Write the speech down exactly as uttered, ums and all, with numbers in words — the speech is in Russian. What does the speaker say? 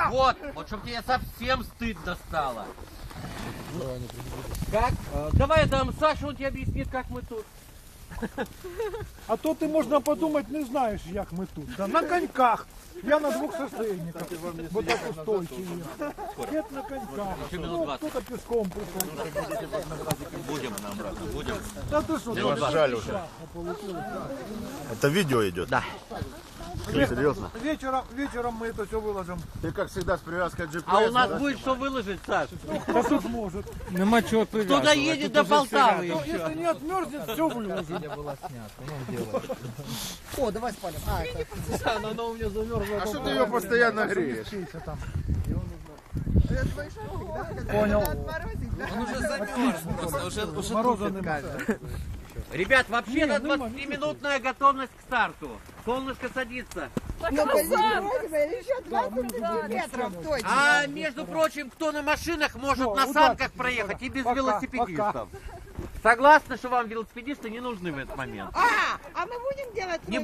Вот, вот чтобы тебе совсем стыдно стало. Как? Давай я дам Сашу, он тебе объяснит, как мы тут. А то ти, можна подумати, не знаєш, як ми тут. Да, на коньках. Я на двох шоссейниках. Вот так устойчиві. Дед на коньках. Ну, кто-то пешком пришел. Будем нам, брат, будем. Да ты что, Мне жаль уже. Это видео идет? Да. Серьезно? вечером, вечером мы это все выложим. Ты как всегда с привязкой джи пи эс. А у нас будет что выложить, Саш? Да тут может. Нема чого прив'язувати. Кто доедет до Полтавы? Ну, если не отмерзнет, все выложим. О, давай спалим. А, это... Она у меня замерзла. А что ты ее постоянно греешь? Понял. Он уже замерз просто, уже, уже Мороза тупит, нема. кажется. Ребят, вообще-то Не, нема, двадцатиминутная готовность к старту. Солнышко садится. Ну, позитивно, еще двадцать метров точно. А между прочим, кто на машинах может Всё, на удачи, санках проехать и без Пока, велосипедистов. Согласны, что вам велосипедисты не нужны в этот момент? А, а мы будем делать... Не